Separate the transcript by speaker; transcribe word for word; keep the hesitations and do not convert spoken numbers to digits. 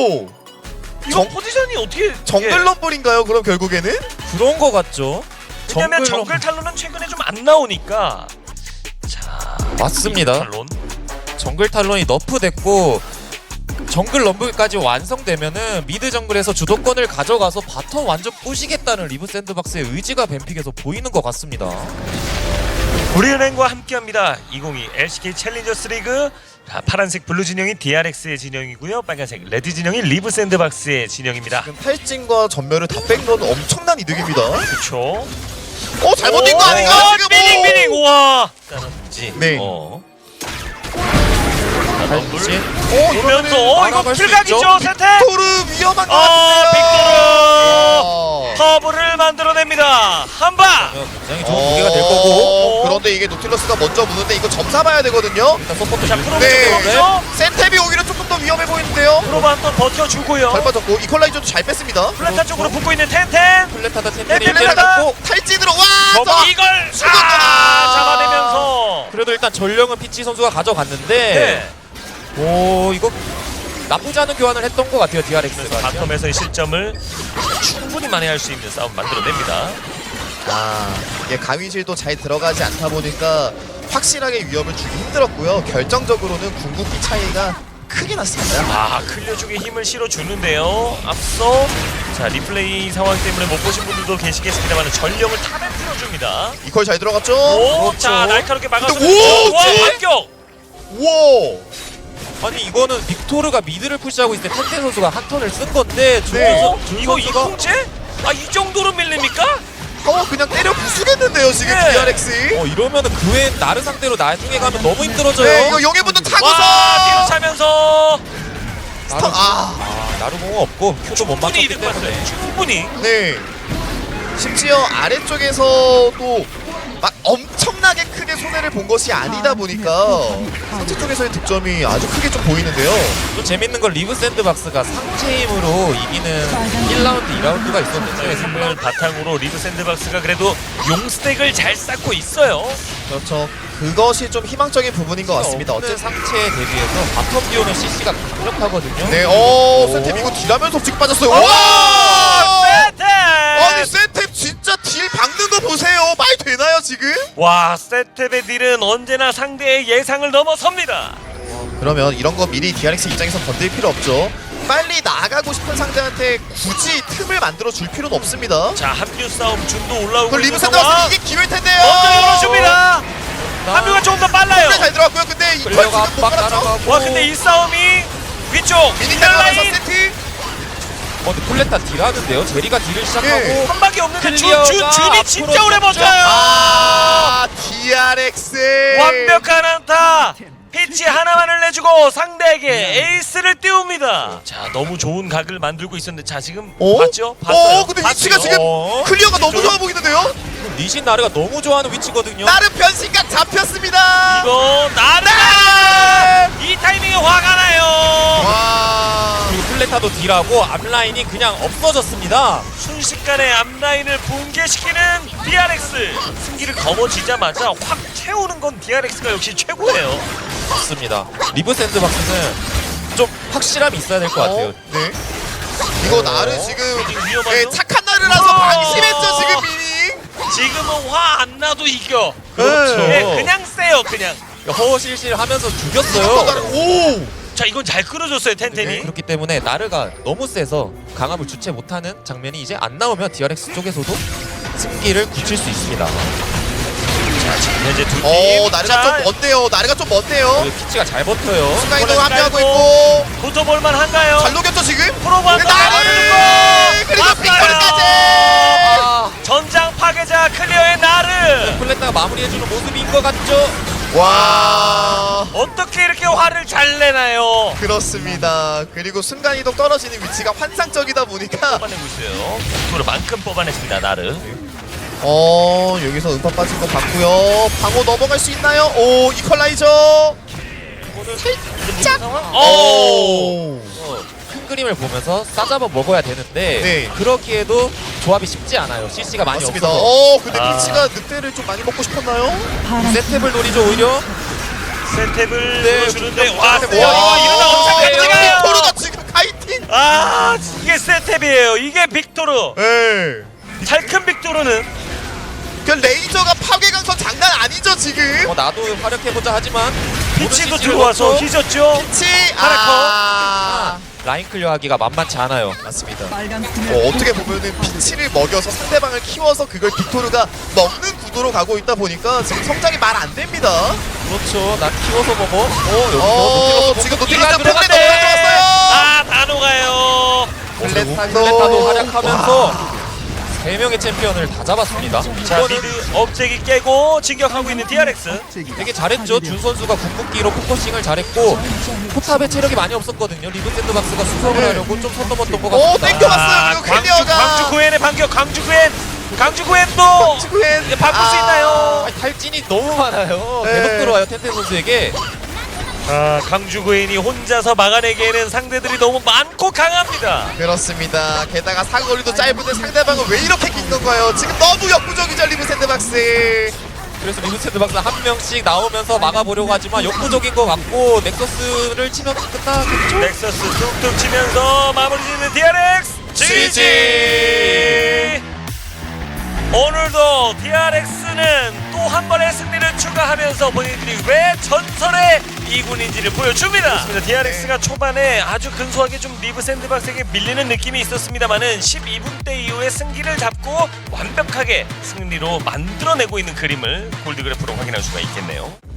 Speaker 1: 오!
Speaker 2: 이거
Speaker 1: 정-
Speaker 2: 포지션이 어떻게
Speaker 1: 정글 럼블인가요? 그럼 결국에는?
Speaker 3: 그런 거 같죠.
Speaker 2: 왜냐면
Speaker 3: 정글
Speaker 2: 정글 탈론은 최근에 좀 안 나오니까. 자,
Speaker 3: 맞습니다.
Speaker 2: 탈론.
Speaker 3: 정글 탈론이 너프됐고 정글 럼블까지 완성되면은 미드 정글에서 주도권을 가져가서 바텀 완전 부시겠다는 리브 샌드박스의 의지가 뱀픽에서 보이는 것 같습니다.
Speaker 2: 우리은행과 함께합니다. 이천이십이 엘씨케이 챌린저스 리그. 자, 파란색 블루 진영이 디알엑스의 진영이고요. 빨간색 레드 진영이 리브 샌드박스의 진영입니다.
Speaker 1: 지금 탈진과 전멸을 다 뺀 건 엄청난 이득입니다.
Speaker 2: 그렇죠.
Speaker 1: 어 잘못된 거 아닌가 지금?
Speaker 2: 삐링
Speaker 1: 오!
Speaker 2: 삐링 우와. 따라붙지.
Speaker 1: 네.
Speaker 2: 어.
Speaker 3: 탈진.
Speaker 1: 어
Speaker 2: 오면서 어, 이거
Speaker 3: 날아갈 수
Speaker 2: 풀각이죠
Speaker 3: 있죠?
Speaker 2: 세태.
Speaker 1: 빅토르 위험한 거
Speaker 2: 어,
Speaker 1: 같은데요.
Speaker 2: 빅토르 커브를 만들어냅니다. 한 방.
Speaker 3: 굉장히 좋은 무게가 될 거고.
Speaker 1: 그런데 이게 노틸러스가 먼저 무는데 이거 점사 봐야 되거든요.
Speaker 3: 일단 서포트
Speaker 2: 자,
Speaker 3: 줄-
Speaker 2: 프로브
Speaker 1: 네.
Speaker 2: 들어오죠.
Speaker 1: 센텝이 오히려 조금 더 위험해 보이는데요.
Speaker 2: 프로브 한번 버텨주고요.
Speaker 1: 잘 빠졌고 이퀄라이저도 잘 뺐습니다.
Speaker 2: 플랜타 쪽으로 붙고 있는 텐텐.
Speaker 3: 플레타다
Speaker 2: 네,
Speaker 3: 텐텐이
Speaker 2: 플레타다.
Speaker 3: 때려놓고
Speaker 1: 탈진으로 와!
Speaker 2: 저거 이걸
Speaker 1: 죽었다.
Speaker 2: 아, 잡아내면서.
Speaker 3: 그래도 일단 전령은 피치 선수가 가져갔는데
Speaker 2: 네.
Speaker 3: 오 이거 나쁘지 않은 교환을 했던 것 같아요 디알엑스가.
Speaker 2: 바텀에서의 실점을 충분히 만회할 수 있는 싸움 만들어냅니다.
Speaker 1: 아, 이게 가위질도 잘 들어가지 않다 보니까 확실하게 위협을 주기 힘들었고요. 결정적으로는 궁극기 차이가 크게 났습니다.
Speaker 2: 아, 클리어 쪽에 힘을 실어주는데요. 앞서 자 리플레이 상황 때문에 못 보신 분들도 계시겠습니다만 전령을 탑에 틀어줍니다.
Speaker 1: 이퀄 잘 들어갔죠?
Speaker 2: 오,
Speaker 3: 그렇죠.
Speaker 2: 자 날카롭게 막아서
Speaker 1: 근데 오,
Speaker 2: 와
Speaker 1: 쟤?
Speaker 2: 반격.
Speaker 1: 우와!
Speaker 3: 아니 이거는 빅토르가 미드를 푸시하고 있을 때 텐텐 선수가 한 턴을 쓴 건데 준
Speaker 1: 네.
Speaker 2: 어?
Speaker 3: 선수 준
Speaker 2: 이거
Speaker 3: 선수가
Speaker 2: 이공제? 아이 정도로 밀립니까?
Speaker 1: 어, 그냥 때려 부수겠는데요, 지금
Speaker 2: 네.
Speaker 1: 디알엑스.
Speaker 3: 어 이러면은 그 외엔 나르 상대로 나중에 가면 너무 힘들어져요.
Speaker 1: 네, 이거 용의 분도 타고서!
Speaker 2: 와 뒤로 차면서
Speaker 3: 나르,
Speaker 1: 아.
Speaker 3: 아 나르 공은 없고 큐도 못
Speaker 2: 충분히
Speaker 3: 맞췄기
Speaker 2: 이득 봤어요.
Speaker 3: 때문에.
Speaker 2: 충분히.
Speaker 1: 네. 심지어 아래쪽에서도 막 엄청나게 크게 손해를 본 것이 아니다 보니까 상체 쪽에서의 득점이 아주 크게 좀 보이는데요.
Speaker 3: 또 재밌는 건 리브 샌드박스가 상체 힘으로 이기는 일 라운드, 이 라운드가 있었는데
Speaker 2: 승부를 바탕으로 리브 샌드박스가 그래도 용 스택을 잘 쌓고 있어요.
Speaker 1: 그렇죠. 그것이 좀 희망적인 부분인 것 같습니다.
Speaker 3: 없는
Speaker 1: 어쨌든
Speaker 3: 상체에 대비해서 바텀 듀오는 씨씨가 강력하거든요.
Speaker 1: 네, 어, 센탭 이거 딜하면서 지금 빠졌어요.
Speaker 2: 와!
Speaker 1: 와!
Speaker 2: 세템!
Speaker 1: 아니 센탭 진짜 딜 박는 거 보세요. 말 되나요 지금?
Speaker 2: 와, 세템의 딜은 언제나 상대의 예상을 넘어섭니다.
Speaker 1: 그러면 이런 거 미리 디알엑스 입장에서 건들 필요 없죠. 빨리 나가고 싶은 상대한테 굳이 틈을 만들어 줄 필요는 없습니다.
Speaker 2: 자, 합류 싸움 준도 올라오고
Speaker 1: 그 리브
Speaker 2: 있는
Speaker 1: 샌드박스
Speaker 2: 상황.
Speaker 1: 이게 기회일 텐데요.
Speaker 2: 먼저 열어줍니다. 합류가 조금 더 빨라요.
Speaker 1: 잘 들어갔고요. 근데 이퀄
Speaker 3: 플레이어가
Speaker 1: 지금 못
Speaker 3: 압박
Speaker 1: 받았죠?
Speaker 3: 따라가고.
Speaker 2: 와, 근데 이 싸움이 위쪽
Speaker 1: 미니
Speaker 2: 미들
Speaker 1: 따라가면서
Speaker 2: 라인
Speaker 1: 세트.
Speaker 3: 어, 근데 폴레타 딜하는데요. 제리가 딜을 시작하고
Speaker 1: 예.
Speaker 2: 한 방에 없는데 준,
Speaker 3: 클리어가
Speaker 2: 준, 준이 진짜
Speaker 3: 앞으로
Speaker 2: 오래
Speaker 3: 쭉
Speaker 2: 버텨요.
Speaker 1: 아, 디알엑스.
Speaker 2: 완벽한 안타. 피치 하나만을 내주고 상대에게 에이스를 띄웁니다. 자, 너무 좋은 각을 만들고 있었는데 자 지금
Speaker 1: 어?
Speaker 2: 봤죠? 봤어요.
Speaker 1: 어, 근데 위치가
Speaker 2: 봤어요.
Speaker 1: 지금
Speaker 3: 어?
Speaker 1: 클리어가 너무 좋아 보이는데요?
Speaker 3: 리신 나르가 너무 좋아하는 위치거든요.
Speaker 1: 나름 변신각 잡혔습니다.
Speaker 2: 이거 나르가 이 타이밍에 화가 나요.
Speaker 1: 와.
Speaker 3: 그리고 플레타도 딜하고 앞라인이 그냥 없어졌습니다.
Speaker 2: 순식간에 앞라인을 붕괴시키는 디알엑스. 승기를 거머쥐자마자 확 채우는 건 디알엑스가 역시 최고예요.
Speaker 3: 맞습니다. 리브 샌드박스는 좀 확실함이 있어야 될 것 같아요.
Speaker 1: 어? 네. 이거 나르 지금
Speaker 2: 지금 위험하죠?
Speaker 1: 네, 착한 나르라서
Speaker 2: 어.
Speaker 1: 방심했죠 지금 미니.
Speaker 2: 지금은 화 안 나도 이겨.
Speaker 3: 그렇죠.
Speaker 2: 네, 그냥 세요 그냥.
Speaker 3: 허허실실 하면서
Speaker 1: 또
Speaker 3: 죽였어요.
Speaker 1: 나르 오.
Speaker 2: 자, 이건 잘 끌어줬어요 텐텐이.
Speaker 1: 네.
Speaker 3: 그렇기 때문에 나르가 너무 세서 강압을 주체 못하는 장면이 이제 안 나오면 디알엑스 쪽에서도 승기를 굳힐 수 있습니다.
Speaker 2: 자, 지금 현재 두 팀.
Speaker 1: 어 나르가
Speaker 2: 자,
Speaker 1: 좀 먼데요. 나르가 좀 먼데요.
Speaker 3: 그리고 피치가 잘 버텨요.
Speaker 1: 순간이동 합류하고
Speaker 2: 깔고.
Speaker 1: 있고
Speaker 2: 붙어볼만 한가요?
Speaker 1: 잘 녹였죠 지금.
Speaker 2: 프로브 한번
Speaker 1: 나르 그리고 빅토르까지.
Speaker 3: 아,
Speaker 2: 전장 파괴자 클리어의 나르.
Speaker 3: 플레타가 마무리해주는 모습인 것 같죠?
Speaker 1: 와.
Speaker 2: 어떻게 이렇게 화를 잘 내나요?
Speaker 1: 그렇습니다. 그리고 순간이동 떨어지는 위치가 환상적이다 보니까
Speaker 2: 뽑아내고 있어요. 빅토르만큼 뽑아냈습니다 나르.
Speaker 1: 어 여기서 음파 빠진 거 봤고요. 방어 넘어갈 수 있나요? 오 이퀄라이저.
Speaker 2: 살짝. 오.
Speaker 1: 오.
Speaker 3: 어, 큰 그림을 보면서 싸잡아 먹어야 되는데
Speaker 1: 네.
Speaker 3: 그러기에도 조합이 쉽지 않아요. 씨씨가 많이
Speaker 1: 맞습니다.
Speaker 3: 없어서
Speaker 1: 어 근데
Speaker 2: 아.
Speaker 1: 피치가 늑대를 좀 많이 먹고 싶었나요?
Speaker 3: 세탭을 노리죠 오히려.
Speaker 2: 세탭을
Speaker 3: 네,
Speaker 2: 주는데
Speaker 3: 네,
Speaker 2: 와,
Speaker 3: 네,
Speaker 2: 세요.
Speaker 3: 와,
Speaker 2: 이거 이러다 엄청
Speaker 3: 네,
Speaker 2: 깜짝이야.
Speaker 1: 빅토르가 지금 카이팅.
Speaker 2: 아 이게 세탭이에요. 이게 빅토르.
Speaker 1: 예.
Speaker 2: 잘큰 빅토르는
Speaker 1: 그 레이저가 파괴 강선 장난 아니죠 지금.
Speaker 3: 어, 나도 활약해보자 하지만
Speaker 2: 피치도
Speaker 3: 모든
Speaker 2: 들어와서
Speaker 3: 시즌
Speaker 2: 희졌죠.
Speaker 1: 치.
Speaker 2: 파라커.
Speaker 1: 아.
Speaker 3: 라인 클리어하기가 만만치 않아요.
Speaker 1: 맞습니다. 어, 어떻게 보면은 피치를 먹여서 상대방을 키워서 그걸 빅토르가 먹는 구도로 가고 있다 보니까 지금 성장이 말 안 됩니다.
Speaker 3: 그렇죠. 난 키워서 먹어. 어, 여기서
Speaker 1: 어,
Speaker 3: 노틸러스
Speaker 1: 지금
Speaker 3: 공격기가
Speaker 1: 노틸러스
Speaker 3: 들어갔네.
Speaker 1: 폭에 너무 들어갔어요.
Speaker 2: 아 다 녹아요.
Speaker 3: 플레타,
Speaker 1: 그리고
Speaker 3: 플레타도
Speaker 1: 또-
Speaker 3: 활약하면서 세 명의 챔피언을 다 잡았습니다.
Speaker 2: 자
Speaker 3: 이거는
Speaker 2: 미드 업체기 깨고 진격하고 있는 디알엑스.
Speaker 3: 되게 잘했죠. 준 선수가 궁극기로 포커싱을 잘했고 포탑에 체력이 많이 없었거든요. 리브 샌드박스가 수성을
Speaker 1: 네.
Speaker 3: 하려고 좀 선 넘었던 것
Speaker 1: 오,
Speaker 3: 같습니다.
Speaker 1: 땡겨봤어요. 그리고
Speaker 2: 광주,
Speaker 1: 클리어가.
Speaker 2: 광주 구엔의 반격. 광주 구엔. 광주 구엔도
Speaker 1: 지구엔
Speaker 2: 이제 바꿀 수 있나요?
Speaker 3: 아니, 탈진이 너무 많아요.
Speaker 1: 네.
Speaker 3: 계속 들어와요. 텐텐 선수에게.
Speaker 2: 아 광주 구엔이 혼자서 막아내기에는 상대들이 너무 많고 강합니다.
Speaker 1: 그렇습니다. 게다가 사거리도 짧은데 상대방은 왜 이렇게 긴 건가요? 지금 너무 역부족이죠 리브 샌드박스.
Speaker 3: 그래서 리브 샌드박스 한 명씩 나오면서 막아보려고 하지만 역부족인 것 같고 넥서스를 치면 끝나겠죠?
Speaker 2: 넥서스 뚝뚝 치면서 마무리 짓는 디알엑스 지지. 오늘도 디알엑스는 또 한 번의 승리를 추가하면서 본인들이 왜 전설의 이군인지를 보여줍니다. 그렇습니다. 디알엑스가 초반에 아주 근소하게 좀 리브 샌드박스에게 밀리는 느낌이 있었습니다만은 십이 분대 이후에 승기를 잡고 완벽하게 승리로 만들어내고 있는 그림을 골드그래프로 확인할 수가 있겠네요.